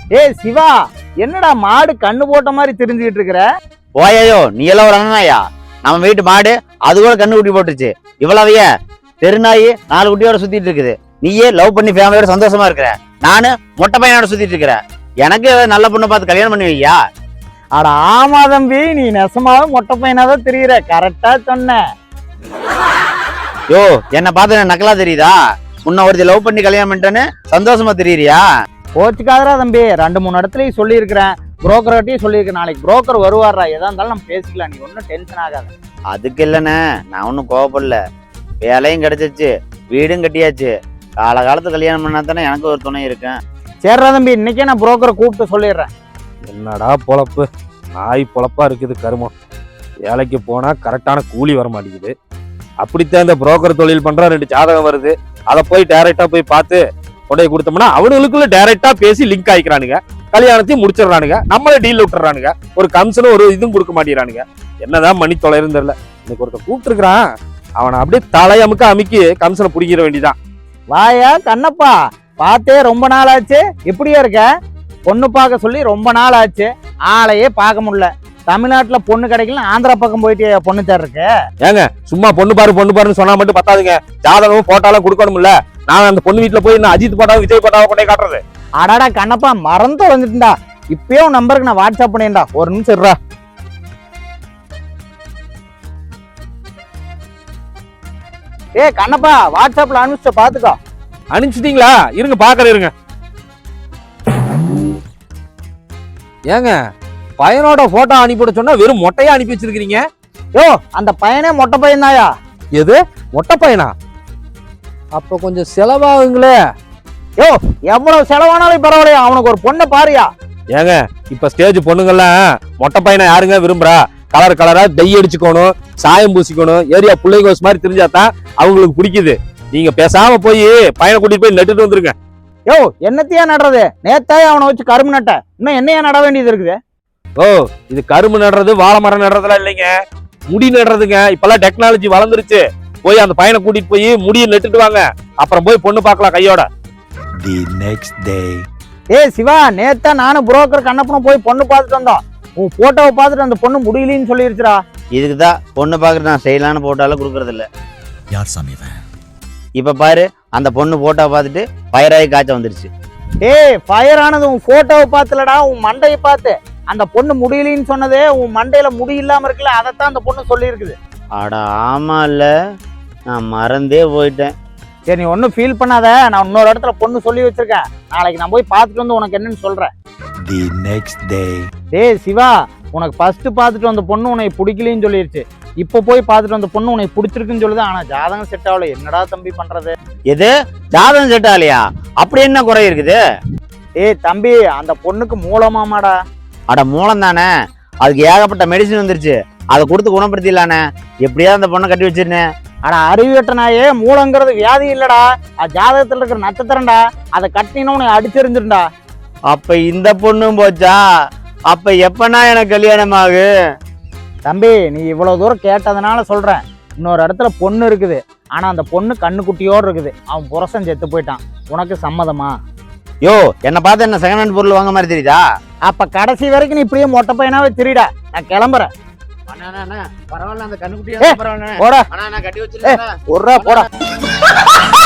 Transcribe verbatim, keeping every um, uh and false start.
ஏய் சிவா, என்னடா மாடு கண்ணு போட்ட மாதிரி தெரிஞ்சுக்கிட்டு இருக்கிற? போயோ நீ எல்லாம் ஒரு அண்ணனாயா? நம்ம வீட்டு மாடு அது கூட கண்ணு குட்டி போட்டுருச்சு. இவ்வளவைய தெருநாயி நாலு குட்டியோட சுத்திட்டு இருக்குது. நீயே லவ் பண்ணி ஃபேமிலியோட சந்தோஷமா இருக்கிற, நானு மொட்டை பையனோட சுத்திட்டு இருக்கிறேன். எனக்கு நல்ல பொண்ணு பார்த்து கல்யாணம் பண்ணி வையா? அட ஆமா தம்பி, நீ நெசமாவே மொட்டை பையனாதான் தெரியுற. கரெக்டா சொன்ன. யோ என்ன பார்த்து நக்கலா தெரியுதா? உன்ன ஒருத்தி லவ் பண்ணி கல்யாணம் பண்ணிட்டேன்னு சந்தோஷமா தெரியுறியா? கோச்சுக்காதரா தம்பி, ரெண்டு மூணு இடத்துலயும் சொல்லியிருக்கிறேன், புரோக்கர்கிட்டையும் சொல்லியிருக்கேன். நாளைக்கு புரோக்கர் வருவாரா, எதா இருந்தாலும் நம்ம பேசிக்கலாம், நீ ஒன்றும் டென்ஷன் ஆகாத. அதுக்கு இல்லைண்ணே, நான் ஒன்றும் கோவப்படல. வேலையும் கிடைச்சிச்சு, வீடும் கட்டியாச்சு. காலகாலத்து கல்யாணம் பண்ணா தானே எனக்கு ஒரு துணை இருக்கேன். சரிடா தம்பி, இன்னைக்கே நான் புரோக்கரை கூப்பிட்டு சொல்லிடுறேன். என்னடா பொழப்பு, நாய் பொழப்பா இருக்குது கருமம். வேலைக்கு போனா கரெக்டான கூலி வர மாட்டேங்குது. அப்படித்தான் இந்த புரோக்கர் தொழில் பண்ற ரெண்டு ஜாதகம் வருது, அதை போய் டைரக்டா போய் பார்த்து கொண்டே கொடுத்தோம்னா அவனுக்குள்ள டைரக்டா பேசி லிங்க் ஆயிக்கிறானுங்க, கல்யாணத்தையும் முடிச்சிடறானுங்க, நம்மளே டீல் விட்டுறானுங்க, ஒரு கமிஷனும் ஒரு இதுவும் கொடுக்க மாட்டேங்கிறானுங்க. என்னதான் மணி தொலைன்னு தெரியல. இன்னைக்கு ஒருத்தர் கூப்பிட்டு இருக்கிறான், அவனை அப்படியே தலையமுக்க அமுக்கி கமிஷனை பிடிக்கிற வேண்டிதான். வாயா கண்ணப்பா, பார்த்தே ரொம்ப நாள் ஆச்சு, எப்படியா இருக்க? பொண்ணு பார்க்க சொல்லி ரொம்ப நாள் ஆச்சு, ஆளையே பார்க்க முடியல. தமிழ்நாட்டுல பொண்ணு கிடைக்கல, ஆந்திரா பக்கம் போயிட்டு பொண்ணு தேர் இருக்கு. ஏங்க சும்மா பொண்ணு பாரு பொண்ணு பாருன்னு சொன்னா மட்டும் பத்தாதுங்க, ஜாதகமும் போட்டாலும் கொடுக்கணும்ல. நான் அந்த பொண்ணு வீட்டுல போய் நான் அஜித் போட்டாவும் விஜய் போட்டாவும் கொண்டே காட்டுறது. அடாடா கண்ணப்பா, மறந்து வந்துட்டுண்டா. இப்பயே உன் நம்பருக்கு நான் வாட்ஸ்அப் பண்ணிடா, ஒரு நிமிஷம் இருடா. ஏ கண்ணப்பா, வாட்ஸ்அப்ல அனுப்பிச்ச பாத்துக்கோ. அனுப்பிச்சிட்டீங்களா? இருங்க பாக்குற இருங்க. ஏங்க பையனோட போட்டோ அனுப்பிவிட சொன்னா வெறும் மொட்டையா அனுப்பி வச்சிருக்கீங்க. யோ அந்த பையனே மொட்டை பையன் தாயா. எது மொட்டை பையனா? அப்ப கொஞ்சம் செலவாகுங்களே. யோ எவ்வளவு செலவானாலும் பரவாயில்லையா, அவனுக்கு ஒரு பொண்ணை பாருயா. ஏங்க இப்ப ஸ்டேஜ் பொண்ணுங்கெல்லாம் மொட்டை பையனை யாருங்க விரும்புறா? கலர் கலரா டை அடிச்சுக்கணும், சாயம் பூசிக்கணும், ஏரியா பிள்ளைங்கோஸ் மாதிரி தெரிஞ்சாதான் அவங்களுக்கு பிடிக்குது. நீங்க பேசாம போய் பையனை கூட்டிட்டு போய் நட்டுட்டு வந்துருங்க. யோ என்னத்தையா நடுறது? நேத்தாயே அவனை வச்சு கரும்பு நட்ட, இன்னும் என்னையா நட வேண்டியது இருக்குது? ஓ இது கரும்பு நடுறது வாழை மரம் நடுறதுலாம் இல்லைங்க, முடி நடுறதுங்க. இப்பெல்லாம் டெக்னாலஜி வளர்ந்துருச்சு. போய் அந்த பையனை கூட்டிட்டு போய் முடியை நட்டுட்டு வாங்க, அப்புறம் போய் பொண்ணு பார்க்கலாம் கையோட. The next day. ஏ சிவா, நேத்தா நானும் புரோக்கர் கண்ணப்பனும் போய் பொண்ணு பார்த்துட்டு வந்தோம். உன் போட்டோவை பார்த்துட்டு அந்த பொண்ணு முடியலன்னு சொல்லிருச்சுடா. இதுக்குதான் பொண்ணு பாக்குறது நான் செய்யலான்னு போட்டாலும் கொடுக்கறது இல்ல. யார் சாமி இவன்? இப்ப பாரு, அந்த பொண்ணு போட்டோ பார்த்துட்டு ஃபயராகி காய்ச்சல் வந்துருச்சு. ஏய் ஃபயர் ஆனது உன் போட்டோவை பார்த்துலடா, உன் மண்டையை பார்த்து. அந்த பொண்ணு முடியலன்னு சொன்னதே உன் மண்டையில முடி இல்லாம இருக்குல்ல, அதைத்தான் அந்த பொண்ணு சொல்லி இருக்குது. அட ஆமா இல்ல, நான் மறந்தே போயிட்டேன். சரி நீ ஒன்னும் ஃபீல் பண்ணாத, நான் இன்னொரு இடத்துல பொண்ணு சொல்லி வச்சிருக்கேன். நாளைக்கு நான் போய் பார்த்துட்டு வந்து உனக்கு என்னன்னு சொல்றேன். The next day. டேய் சிவா, உனக்கு ஃபர்ஸ்ட் பார்த்துட்டு வந்த பொண்ணு உனக்கு பிடிக்கலன்னு சொல்லிருச்சு. இப்போ போய் பார்த்துட்டு வந்த பொண்ணு உனக்கு பிடிச்சிருக்குன்னு சொல்லுது. ஆனா ஜாதகம் செட் ஆகல. என்னடா தம்பி பண்றது? எது ஜாதகம் செட் ஆகலையா? அப்படி என்ன குறை இருக்குது? ஏய் தம்பி, அந்த பொண்ணுக்கு மூலமாமாடா. அட மூலம் தானே, அதுக்கு ஏகப்பட்ட மெடிசின் வந்துருச்சு, அதை கொடுத்து குணப்படுத்திடலானே. எப்படியாவது அந்த பொண்ணை கட்டி வச்சிருந்தேன். ஆனா அறிவியட்டனாயே, மூலங்கிறது வியாதி இல்லடா, அது ஜாதகத்துல இருக்கிற நட்சத்திரம்டா. அதை கட்டினா உனக்கு அடிச்சிருந்துருண்டா. அப்ப இந்த பொண்ணும் போச்சா? அப்ப எப்பனா எனக்கு கல்யாணம் ஆகு? தம்பி நீ இவ்வளவு தூரம் கேட்டதுனால சொல்றேன், இன்னொரு இடத்துல பொண்ணு இருக்குது. ஆனா அந்த பொண்ணு கண்ணுக்குட்டியோடு இருக்குது. அவன் புருஷன் செத்து போயிட்டான். உனக்கு சம்மதமா? யோ என்ன பார்த்து என்ன செகண்ட் ஹேண்ட் பொருள் வாங்க மாதிரி தெரியுதா? அப்ப கடைசி வரைக்கும் நீ இப்படியே மொட்டை பையனாவே திரிடா. நான் கிளம்புறேன். பரவாயில்ல, அந்த கண்ணுக்குட்டியா போடா, கட்டி வச்சிருக்கேன். போடா.